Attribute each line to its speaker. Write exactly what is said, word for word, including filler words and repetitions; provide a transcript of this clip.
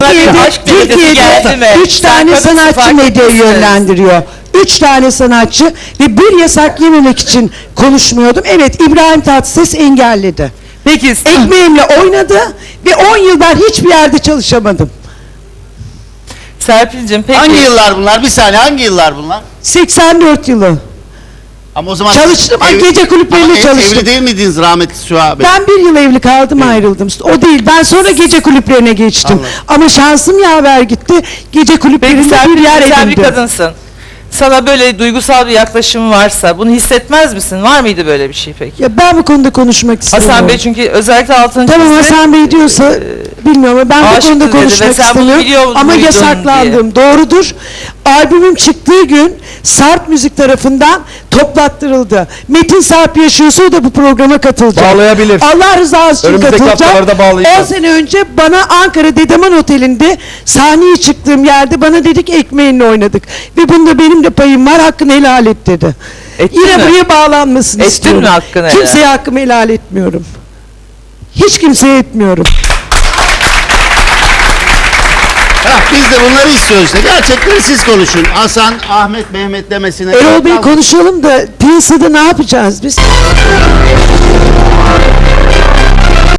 Speaker 1: Türkiye'de,
Speaker 2: aşk delisi geldi mi?
Speaker 1: Türkiye'de üç
Speaker 2: Sen
Speaker 1: tane
Speaker 2: kadınsın,
Speaker 1: sanatçı
Speaker 2: fark
Speaker 1: medyayı
Speaker 2: etmişsiniz.
Speaker 1: yönlendiriyor. Üç tane sanatçı ve bir yasak yememek için konuşmuyordum. Evet, İbrahim Tatlıses engelledi.
Speaker 2: Peki
Speaker 1: Ekmeğimle oynadı ve on yıl ben hiçbir yerde çalışamadım.
Speaker 2: Serpil'cim peki.
Speaker 3: Hangi yıllar bunlar? Bir saniye, hangi yıllar bunlar?
Speaker 1: seksen dört yılı.
Speaker 3: Ama o zaman
Speaker 1: Çalıştım, ay, gece kulüplerinde
Speaker 3: Ama ev-
Speaker 1: çalıştım.
Speaker 3: Evli değil miydiniz rahmetli şu an?
Speaker 1: Ben bir yıl evli kaldım, ayrıldım. O değil, ben sonra gece kulüplerine geçtim.
Speaker 3: Anladım.
Speaker 1: Ama şansım yaver gitti. Gece
Speaker 2: Peki
Speaker 1: kulüplerinde bir
Speaker 2: Serpil,
Speaker 1: yer
Speaker 2: sen bir
Speaker 1: edindim.
Speaker 2: kadınsın. Sana böyle duygusal bir yaklaşım varsa bunu hissetmez misin? Var mıydı böyle bir şey peki?
Speaker 1: Ya ben bu konuda konuşmak istemiyorum.
Speaker 2: Hasan Bey çünkü özellikle altını
Speaker 1: Tamam,
Speaker 2: çizdi.
Speaker 1: Hasan Bey diyorsa bilmiyorum ama ben bu
Speaker 2: aşıktı
Speaker 1: konuda
Speaker 2: dedi ve
Speaker 1: konuşmak
Speaker 2: sen bunu biliyor
Speaker 1: istemiyorum ama
Speaker 2: muydun
Speaker 1: yasaklandım. Doğrudur. Albümüm çıktığı gün Sarp Müzik tarafından toplattırıldı. Metin Sarp yaşıyorsa o da bu programa katılacak.
Speaker 4: Bağlayabilir.
Speaker 1: Allah rızası için
Speaker 4: Önümüzdeki
Speaker 1: katılacak.
Speaker 4: haftalarda bağlayacağız.
Speaker 1: on sene önce bana Ankara Dedeman Oteli'nde sahneye çıktığım yerde bana dedik ekmeğinle oynadık. Ve bunda benim de payım var, hakkını helal et dedi.
Speaker 2: Ettin
Speaker 1: Yine
Speaker 2: mi?
Speaker 1: buraya bağlanmasını
Speaker 2: Ettin
Speaker 1: istiyorum.
Speaker 2: mi hakkını helal?
Speaker 1: Kimseye hakkımı helal etmiyorum. Hiç kimseye etmiyorum.
Speaker 3: Hah, biz de bunları istiyoruz işte. Gerçekleri siz konuşun. Hasan, Ahmet, Mehmet demesine.
Speaker 1: Erol Bey konuşalım da piyasada ne yapacağız biz?